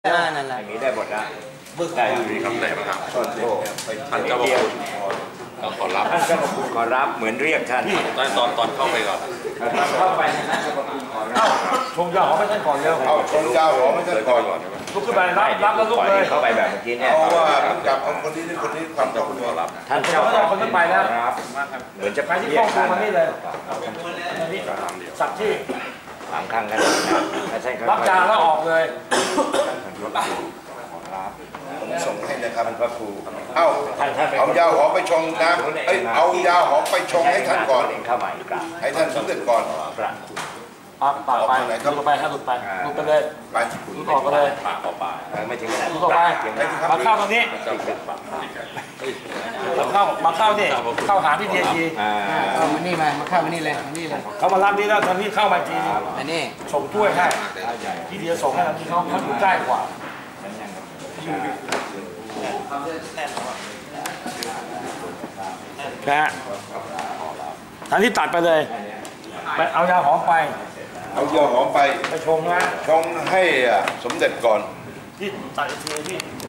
นั่นแหละอย่างนี้ได้หมดนะได้มีคำไหนบ้างครับท่านเจ้าพระคุณขอรับท่านเจ้าพระคุณขอรับเหมือนเรียกท่านตอนเข้าไปก่อนเข้าไปนะเจ้าพระคุณขอรับชงยาหอมให้ท่านก่อนเร็วเอาชงยาหอมให้ท่านก่อนลุกขึ้นไปรับแล้วลุกเลยเข้าไปแบบเมื่อกี้เนี่ยเพราะว่าจับเอาคนนี้ความต้องการท่านเจ้าคนนั้นไปแล้วเหมือนจะไปที่ห้องครัวนี่เลยสักที่ 3 ครั้งกันรับจานแล้วออกเลยผมส่งให้นะครับพระครูเอายาหอมไปชงนะเอายาหอมไปชงให้ท่านก่อนให้ท่านสำเร็จก่อนปากไปหลุดไปให้หลุดไปหลุดไปเลยไปหลุดออกไปเลยไม่ถึงหลุดออกไปมาเข้าตรงนี้มาเข้านี่เข้าหาที่เดียจีเอามานี่มาเข้ามานี่เลยนี่เลยเขามารับนี่แล้วตอนนี้เข้ามาจีอันนี้ส่งถ้วยให้ที่เดียส่งให้ที่เขาอยู่ใกล้กว่านะฮะทันที่ตัดไปเลยไปเอายาหอมไปเอายาหอมไปชงนะชงให้สมเด็จก่อนที่ตัดทีที่